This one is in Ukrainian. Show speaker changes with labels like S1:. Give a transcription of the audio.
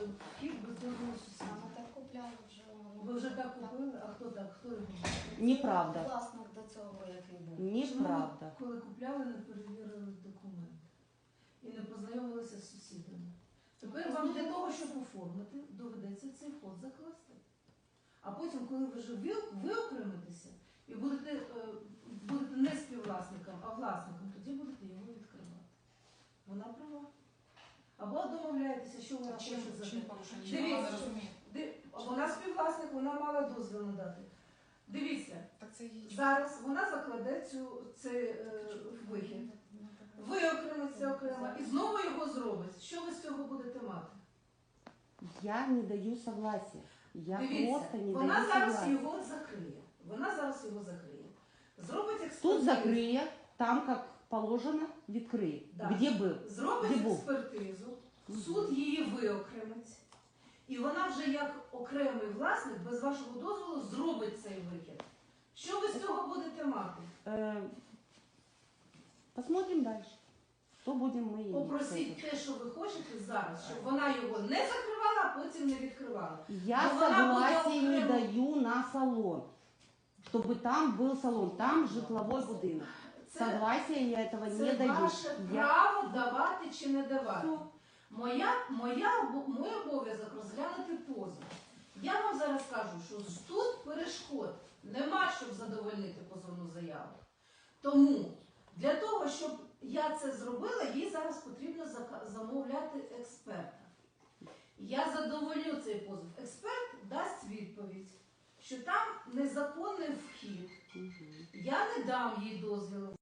S1: вхід без дозволу сусіда.
S2: Саме так купляли вже.
S1: Ви вже так купили? А хто так? Хто регулює?
S3: Неправда.
S2: Власник до цього, який був.
S3: Неправда.
S1: Чому, коли купляли, не перевірили документи і не познайомилися з сусідами? Тепер вам для того, щоб оформити, доведеться цей вход закласти. А потім, коли ви вже виокремитеся і будете не співвласником, а власником, тоді будете його відкривати. Вона права. Або домовляєтеся, що вона хоче за
S4: Чим
S1: те.
S4: порушення? Вона
S1: Дивіться,
S4: не розуміє.
S1: вона співвласник, вона мала дозвіл надати. Дивіться,
S4: Так це її.
S1: зараз вона закладе цей вихід. Виокремиться окремо і знову його зробить. Що ви з цього будете мати?
S3: Я не даю согласия. Я
S1: Дивіться,
S3: просто не
S1: вона
S3: даю
S1: зараз
S3: согласия.
S1: його закриє. Вона зараз його закриє. Зробить
S3: Тут
S1: експертизу.
S3: закрыє, там, как положено, відкриє.
S1: Да.
S3: Где был?
S1: Зробить
S3: Де був?
S1: експертизу, суд її виокремить. І вона вже як окремий власник, без вашого дозволу, зробить цей вихід. Що ви з цього будете мати?
S3: Посмотрим дальше. Что будем мы иметь.
S1: Попросіть те, що ви хочете зараз, щоб вона його не закривала, а потім не відкривала.
S3: Я
S1: Но вона буде
S3: согласия не
S1: окремо.
S3: даю на салон. Чтобы там был салон, там житловой будинок.
S1: Це,
S3: Согласия я этого не
S1: це
S3: даю.
S1: ваше
S3: Я...
S1: право давати чи не давати.
S3: Всё.
S1: Мой обов'язок розглянути позов. Я вам зараз кажу, що тут перешкод нема, щоб задовольнити позовну заяву. Тому для того, щоб я це зробила, їй зараз потрібно замовляти експерта. Я задоволю цей позов. Експерт дасть відповідь, що там незаконний вхід.
S3: Мгм.
S1: Я не дам їй дозвіл